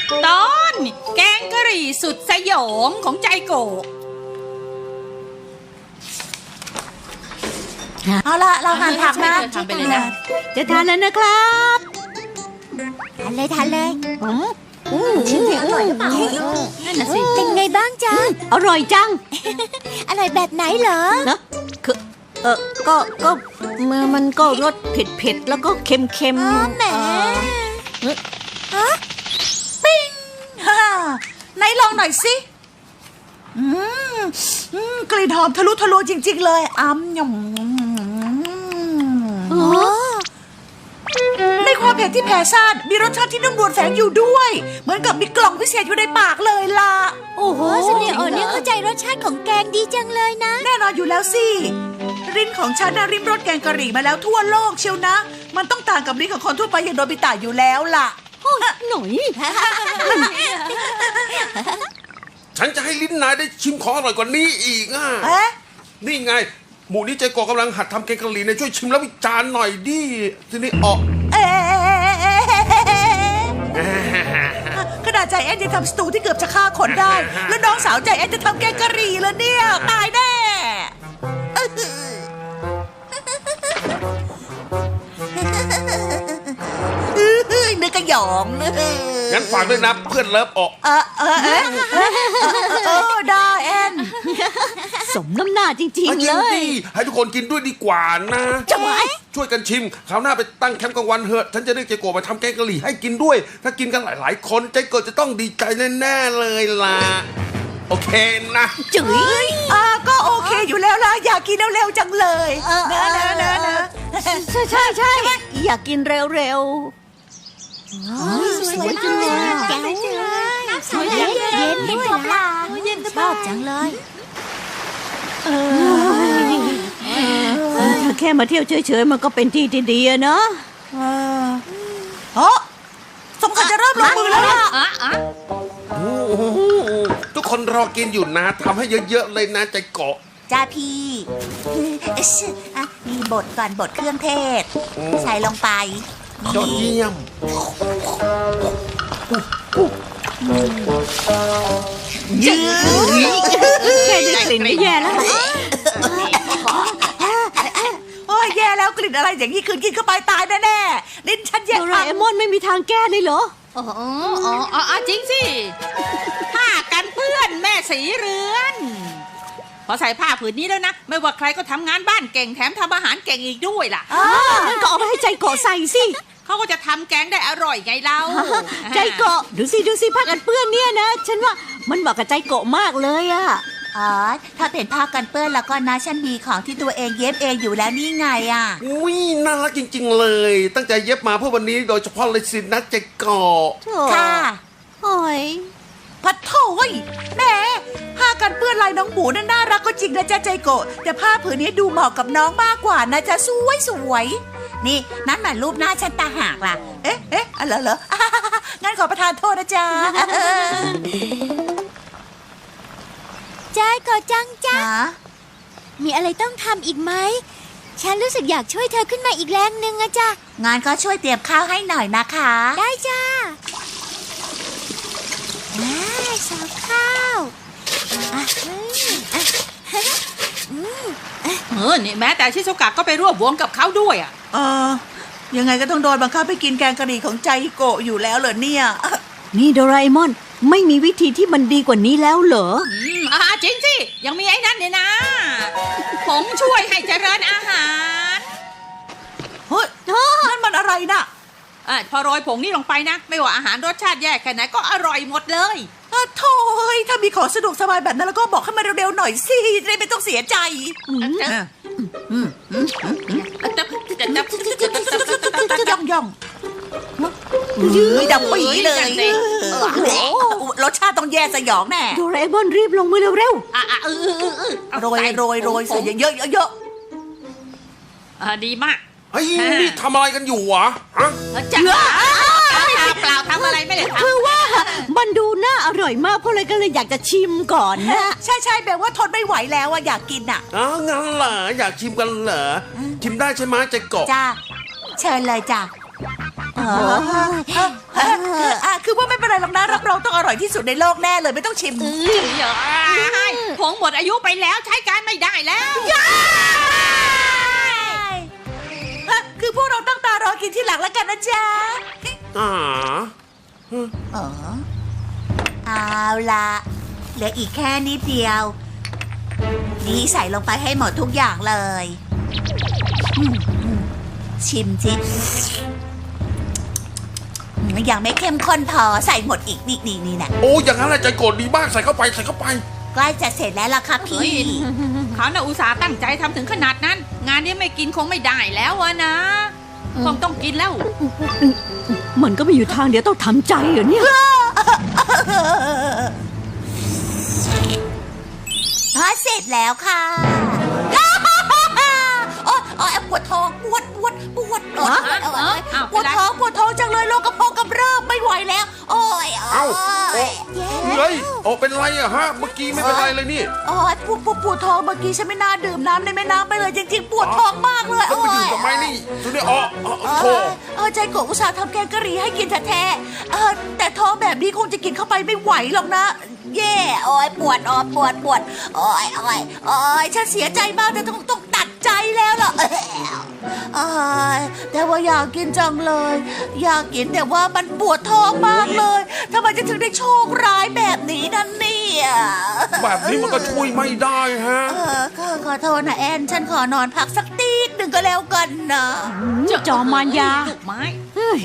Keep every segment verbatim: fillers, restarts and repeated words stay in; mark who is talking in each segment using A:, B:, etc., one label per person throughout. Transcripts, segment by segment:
A: ตอนแกงกะหรี่สุดสยองของใจโกะ
B: เอาละเราหั่นผักนะ
A: ทำไปเลยนะ
C: จะทานแล้วนะครับ
B: ทานเลยทานเลย
C: อืมอืม
B: ชิมสิอร่อยหรือเปล่า
A: นั่นน่ะสิ
B: เป็นไงบ้างจ๊ะ
C: อร่อยจัง
B: อร่อยแบบไหนเหรอ
C: นะคือเออก็ก็มันมันก็รสเผ็ดเผ็ดๆแล้วก็เค็มเค็ม
B: อ๋อแหม
C: เอ่อ
B: ปิ้งฮ่าไหนลองหน่อยสิอืมอืมกลิ่นหอมทะลุทะลวงจริง ๆ เลยอ้ำยำ
C: โอ้
B: ในความเผ็ดที่แผ่ซ่านมีรสชาติที่นุ่มนวลแฝงอยู่ด้วย เหมือนกับมีกล่องพิเศษอยู่ในปากเลยล่ะ
C: โอ้โห
B: สำเนียงเออเนี่ยเข้าใจรสชาติของแกงดีจังเลยนะ แน่นอนอยู่แล้วสิริ้นของฉันนะริมรสแกงกะหรี่มาแล้วทั่วโลกเชียวนะ มันต้องต่างกับริ้นของคนทั่วไปอย่างโนบิตะอยู่แล้วล่ะ
C: หน่อย
D: ฉันจะให้ลิ้นนายได้ชิมของอร่อยกว่านี้อีกอ่ะ
B: เอ๊ะ
D: นี่ไง หมูนี้ใจโกะกำลังหัดทำแกงกะหรี่เนี่ยช่วยชิมแล้ววิจารณ์หน่อยดิทีนี้ออก
B: เอ๊ะขนาดใจแอนจะทำสตูที่เกือบจะฆ่าคนได้ แล้วน้องสาวใจแอนจะทำแกงกะหรี่แล้วเนี่ย ตายแน่นึกกระหยอง
D: งั้นฝากด้วยนะเพื่อนเลิฟออก
B: เออเออเออเออได้แอน
C: สมน้ำหน้าจริง
D: ให้
C: ๆ
D: กิ
C: เล
D: น
C: ย
D: ดิให้ทุกคนกินด้วยดีกว่านะ
B: จะไหว
D: ช่วยกันชิมคราวหน้าไปตั้งแคมป์กลางวันเถอะฉันจะเรียกใจโกะมาทำแกงกะหรี่ให้กินด้วย ถ้ากินกันหลายๆ คนใจโกะจะต้องดีใจแน่ๆเลยล่ะโอเคนะ
C: จุ๋ย
B: อ่าก็โอเคอยู่แล้วล่ะอยากกินเร็วๆจังเลย
C: เออ
B: นะนะนะนะ
C: ใช่ใช่ใช่อยากกินเร็วๆ
B: สวยจังเลยแจ๋วสวยเย็นเย็นด้วยล่ะชอบจังเลย
C: เออถ้าแค่มาเที่ยวเฉยๆมันก็เป็นที่ที่ดีอะเนาะ
B: เออเฮ้สมควรจะเริ่มลงมือแล้วล่ะ
A: อ่ะอ่ะ
D: โอ้โหทุกคนรอกินอยู่นะทำให้เยอะๆเลยนะใจโกะ
B: จ้าพี่เอชอ่ะมีบทก่อนบทเครื่องเทศ ใส่ลงไป
D: ยอดเยี่ยม
B: ยืด
C: แค่ได้กลิ่นก็แย่แล้ว
B: โอ้ยแย่แล้วกลิ่นอะไรอย่างนี้คืนกินเข้าไปตายแน่ๆลิ้นฉันแย่
C: โดราเอมอนไม่มีทางแก้เลยเหรอ
A: อ๋ออ๋ออ๋อจริงสิผ้ากันเปื้อนแม่สีเรือน พอใส่ผ้าผืนนี้แล้วนะ ไม่ว่าใครก็ทำงานบ้านเก่งแถมทำอาหารเก่งอีกด้วยล่ะ
B: อ้า
C: งั้นก็เอาไปให้ใจเกาะใส่สิ
A: เขาก็จะทำแกงได้อร่อยไงเรา
C: ใจเกาะดูสิดูสิผ้ากันเปื้อนเนี่ยนะ ฉันว่ามันเหมาะกับใจเกาะมากเลยอะ
B: อ๋อถ้าเป็นผ้ากันเปื้อนแล้วก็นะฉันมีของที่ตัวเองเย็บเองอยู่แล้วนี่ไงอ่ะ
D: อุ้ยน่ารักจริงๆเลย ตั้งใจเย็บมาเพื่อวันนี้โดยเฉพาะเลยสินะใจโกะ
C: โถ่
B: ค่ะ
C: โอ้ย
B: พัดโถ่ยแหม่ผ้ากันเปื้อนลายน้องหมูนั่นน่ารักก็จริงนะจ๊ะใจโกะแต่ผ้าผืนนี้ดูเหมาะกับน้องมากกว่านะจ๊ะสวยสวยๆนี่นั่นหมายรูปหน้าฉันตาหากล่ะ เอ๊ะเอ๊ะอะไรเหรอ งั้นขอประทานโทษนะจ๊ะ
E: ใจก็จังจ้า
B: ฮะ
E: มีอะไรต้องทำอีกไหม ฉันรู้สึกอยากช่วยเธอขึ้นมาอีกแรงหนึ่งอะจ้ะ
B: งานก็ช่วยเตรียมข้าวให้หน่อยนะคะ
E: ได้จ้าอ่าสาวข้าวอ่ะอืมอ่ะอืม
A: เออนี่แม้แต่ชิซุกะก็ไปร่วมวงกับเขาด้วยอ่ะ
B: เออยังไงก็ต้องโดนบังคับไปกินแกงกะหรี่ของใจโกะอยู่แล้วเหรอเนี่ย
C: นี่โดราเอมอนไม่มีวิธีที่มันดีกว่านี้แล้วเหรอ
A: อืมอ่าจริงสิ ยังมีไอ้นั่นเนี่ยนะผงช่วยให้เจริญอาหาร
B: เฮ้ยนั่นมันอะไรน่ะ
A: อ่ะพอโรยผงนี่ลงไปนะ ไม่ว่าอาหารรสชาติแย่แค่ไหนก็อร่อยหมดเลย
B: อ่ะโถ่ยถ้ามีของสะดวกสบายแบบนั้นแล้วก็บอกให้มาเร็วๆหน่อยสิจะได้ไม่ต้องเสียใจ
A: จะ
B: อ่ะ
A: จะจะจะ
B: ย่องย่องยืดดับปีเลยโอ้โหรสชาติต้องแย่สยองแน่
C: โดราเอมอนรีบลงมือเร็ว
A: อ่ะอ่ะเออเออเออเออ
B: โรยโรยโรยใส่เยอะๆเยอะ
A: อ่ะดีมาก
D: เฮ้ยนี่ทำอะไรกันอยู่วะฮะ
A: จะเปล่าทำอะไรไม่ได้
C: ๆ
A: ทำ
C: คือว่ามันดูน่าอร่อยมากเพราะเลยก็เลยอยากจะชิมก่อนนะ
B: ๆใช่ใช่แบบว่าทนไม่ไหวแล้วอะอยากกินอะ
D: อ้าวงั้นเหรออยากชิมกันเหรอชิมได้ใช่ไหมใจโกะ
B: จ้าเชิญเลยจ้าเออเออเออคือว่าไม่เป็นไรหรอกนะรับร่อยที่สุดในโลกแน่เลยไม่ต้องชิม
A: เอ้ยอย่าให้ผงหมดอายุไปแล้วใช้การไม่ได้แล้ว
B: ฮะคือพวกเราตั้งตารอกินที่หลังแล้วกันนะจ๊ะ
D: อ่า
B: อ๋อเอาละเหลืออีกแค่นิดเดียว นี่ใส่ลงไปให้หมดทุกอย่างเลยอืมอืมชิมจิอืมยังไม่เข้มข้นพอใส่หมดอีกนี่นี่นี่นะ
D: โอ้อย่างนั้นแหละใจโกรธดีมากใส่เข้าไปใส่เข้าไป
B: ใกล้จะเสร็จแล้วล่ะครับ
A: เฮ้ย
B: พี่
A: เขาน่ะอุตส่าห์ตั้งใจทำถึงขนาดนั้น งานนี้ไม่กินคงไม่ได้แล้วอะนะคงต้องกินแล้ว
C: มันก็ไม่อยู่ทางเดียวต้องทำใจเหรอเนี่ย
B: พอเสร็จแล้วค่ะโอ๊ยโอ๊ยปวดท้องปวดปวดปวดโอ๊ยโอ๊ยโอ๊ย
A: อ้าว
B: ปวดท้องปวดท้องจังเลยโรคกระเพาะกำเริบไม่ไหวแล้ว โอ๊ยโอ๊
D: เอ้าย โอ้เฮ้ยโอ้เป็นไรอะฮะเมื่อกี้ไม่เป็นไรเลยนี่
B: โอ๊ยปวดปวดปวดท้องเมื่อกี้ฉันไม่น่าดื่มน้ำในแม่น้ำไปเลยจริงๆปวดท้องมากเลย
D: แล้ว
B: โอ๊
D: ไป
B: ย
D: ดื่มทำไมนี่ตัวนี้อ๋ออ๋อ
B: เอ
D: โธ่
B: อเออใจโกะอุตส่าห์ทำแกงกะหรี่ให้กินแท้ๆเออแต่ท้องแบบนี้คงจะกินเข้าไปไม่ไหวหรอกนะ แย่โอ๊ยปวดอ๋อปวดปวดโอ๊ยโอ๊ยโอ๊ยฉันเสียใจมากแต่ต้องต้องตัดใจแล้วล่ะเออแต่ว่าอยากกินจังเลย อยากกินแต่ว่ามันปวดท้องมากเลยทำไมจะถึงได้โชคร้ายแบบนี้นั่นเนี่ย
D: แบบนี้มันก็ช่วยไม่ได้ฮะ
B: เออขอขอโทษนะแอนฉันขอนอนพักสักตีดหนึ่งก็แล้วกันนะ
C: จอมมารยา
A: ลูกไม้
C: เฮ้ย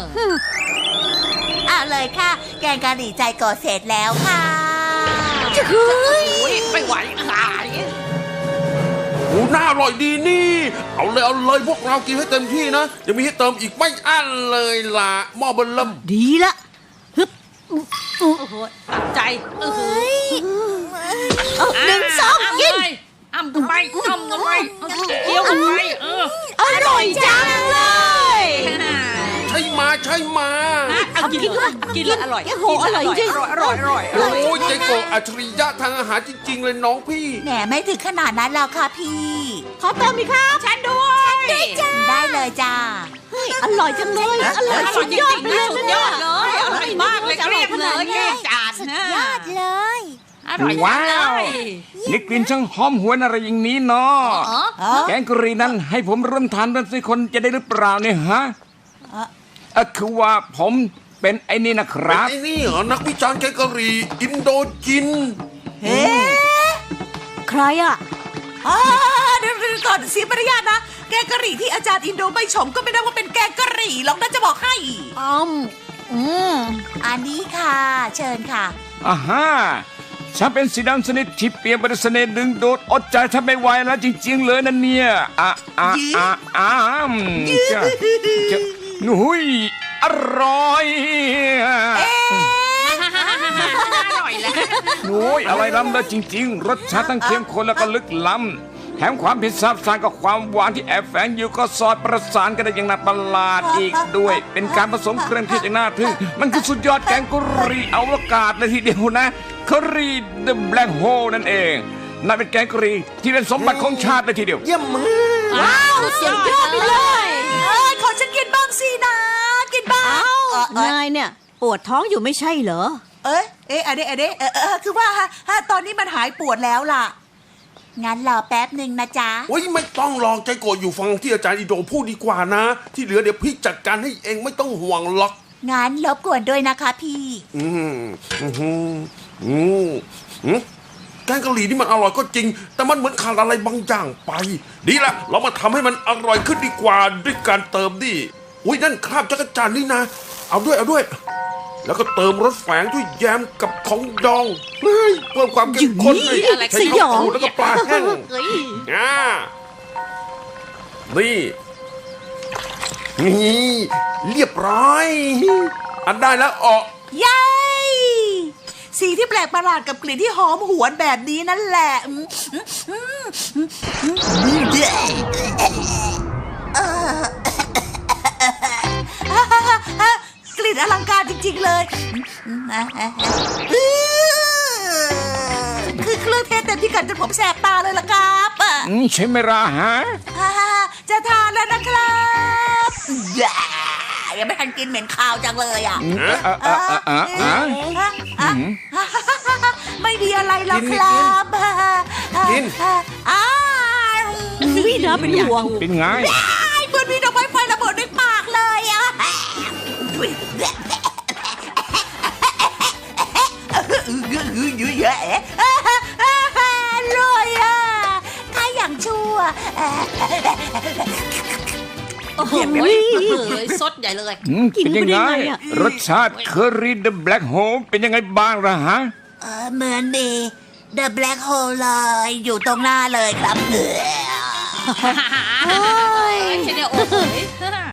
B: เอาเลยค่ะ แกงกะหรี่ใจโกะเสร็จแล้วค่ะ
C: เฮ้ย
A: โอ้ยไม่ไหวขาย
D: โอ้น่าอร่อยดีนี่ เอาเลยเอาเลยพวกเรากินให้เต็มที่นะยังมีให้เติมอีกไม่อั้นเลยล่ะหม้อเบนเริ่ม
C: ดีละฮึบ
A: โอ้โหตัดใจเออ
C: เอาหนึ่งสอง
A: อ้ำ
C: กิน
A: เลยอ้ำกันไปอ้ำกันไปเคี้ยวกันไปเออ
C: อร่อยจังเลย
D: ใช่มาใช่มา
A: เอากินเลยกินเลยอร่อย
C: โอ้โหอร่อยจริง
A: อร่อยอร่อยอร่อย
D: โอ้ยใจโกะอัจฉริยะทางอาหารจริง ๆ เลยน้องพี่
B: แหมไม่ถึงขนาดนั้นแล้วค่ะพี่
C: ขอเติมอีกครับ
A: ฉันด้วย
B: ได้เลยจ้า
C: เฮ้ยอร่อยจังเลย อร่อย
A: อร่
C: สุ
A: อย
C: ด
A: จ
C: ยอด
A: ริง
C: ไป
A: ๆ
C: เล
A: นะ
C: ย
A: สุด
C: นะ
A: ย
C: เนี่ย
A: อดเลยอร่อยมากเลยเกลียบเลยเกลียบจานนะ
E: ยอดเลย
A: อร่อยจัง
F: ว้า
A: เล
F: วย นี่กลิ่นช่างหอมหวนอะไรอย่างนี้เนาะ
A: อ๋อ
F: แกงกะหรี่นั้นให้ผมร่วมทานด้วยสิคนจะได้หรือเปล่าเนี่ยฮะ
B: เอ่อ
F: เออคือว่าผมเป็นไอ้นี่นะครับ
D: ไอ้นี่เหรอนักวิจารณ์แกงกะหรี่อินโดจีน
B: เฮ้
C: ใครอ่ะ
B: อ่าเดี๋ยวๆก่อนเสียมารยาทนะ แกงกะหรี่ที่อาจารย์อินโดไม่ชมก็ไม่ได้ว่าเป็นแกงกะหรี่หรอกนะจะบอกให้
C: อืมอืม
B: อันนี้ค่ะ เชิญค่ะ
F: อ่าฮะฉันเป็นสีดำสนิทที่เปรียบบริสเนดึงโดดอดใจทำไม่ไหวแล้วจริง ๆ เลยนั่นเนี่ยอ่ะอ่ะอ่ะอ่ะจะจะนุ้ยอร่อย
A: อร่อยแล้ว
F: โอ้ยอะไรล้ำเลยจริง ๆ รสชาติทั้งเข้มข้นแล้วก็ลึกล้ำแถมความเผ็ดซาบซ่านกับความหวานที่แอบแฝงอยู่ก็สอดประสานกันได้อย่างน่าประหลาดอีกด้วย เป็นการผสมเครื่องเทศอย่างน่าทึ่งมันคือสุดยอดแกงกะหรี่อวกาศเลยทีเดียวนะกะหรี่ The Black Hole นั่นเองนั่นเป็นแกงกะหรี่ที่เป็นสมบัติของชาติเลยทีเดียว
D: เยี่ยมมาก
A: ว้าวสุดยอดไปเลย
B: เอ้ยขอฉันกินบ้างสินะ กินบ้าง
C: เอ้า
B: เออเออน
C: ายเนี่ย ปวดท้องอยู่ไม่ใช่เหรอ
B: เอ้ยเอ๊ะอันนี้อันนี้เออเออคือว่าฮะฮะตอนนี้มันหายปวดแล้วล่ะ งั้นรอแป๊บหนึ่งนะจ๊ะ
D: โอ้ยไม่ต้องลองใจโกรธอยู่ฟังที่อาจารย์อินโดพูดดีกว่านะ ที่เหลือเดี๋ยวพี่จัดการให้เองไม่ต้องห่วงหรอก
B: งั้นรบกวนด้วยนะคะพี่
D: อืมอืมอืมอืมอืมแกงกะหรี่นี่มันอร่อยก็จริง แต่มันเหมือนขาดอะไรบางอย่างไป ดีละเรามาทำให้มันอร่อยขึ้นดีกว่าด้วยการเติมดิอุ้ยนั่นคราบจักรจันทร์นี่นะ เอาด้วยเอาด้วย แล้วก็เติมรสแฝงด้วยแยมกับของดองเฮ้ยเพิ่มความเข้มข้นเลย
A: อะไร
D: ใช้
C: สยอง
D: ข้าวปูแล้วก็ปลาแห้ง
A: เฮ้ย
D: อ่านี่นี่เรียบร้อย อันได้แล้วออก
B: เย้สีที่แปลกประหลาดกับกลิ่นที่หอมหวนแบบนี้นั่นแหละอืมอืมอืมอืมอืมเอ่อกลิ่นอลังการจริงๆเลยคือเครื่องเทศเต็มพิกัดจนผมแสบตาเลยล่ะครับอ่ะ
F: อืมใช่ไหมล่ะฮะ
B: จะทานแล้วนะครับยังไม่ทันกินเหม็นคาวจังเลยอ่ะ
F: อืมเอ่อเอ่อเอ่อเอ่อเอ่อ
B: ไม่มีอะไรหรอกครับ
D: กิน
B: อ้าว
C: วินะเป็นห่วง
F: เป็นไง
B: เหมือนมีดอกไม้ไฟระเบิดในปากเลยอ่ะลอยอ่ะถ้าอย่างชั่ว
A: โอ้โหเฮ้ยซดใหญ่เลย
F: อืมเป็นยังไง
C: กินเข้าไปได้ไงอะ
F: รสชาติเคอรี่เดอะแบล็กโฮมเป็นยังไงบ้างล่ะฮะ
B: เออเหมือนดี The Black Hole เลยอยู่ตรงหน้าเลยครับ
A: เฮ้ยเชเนโอ้โห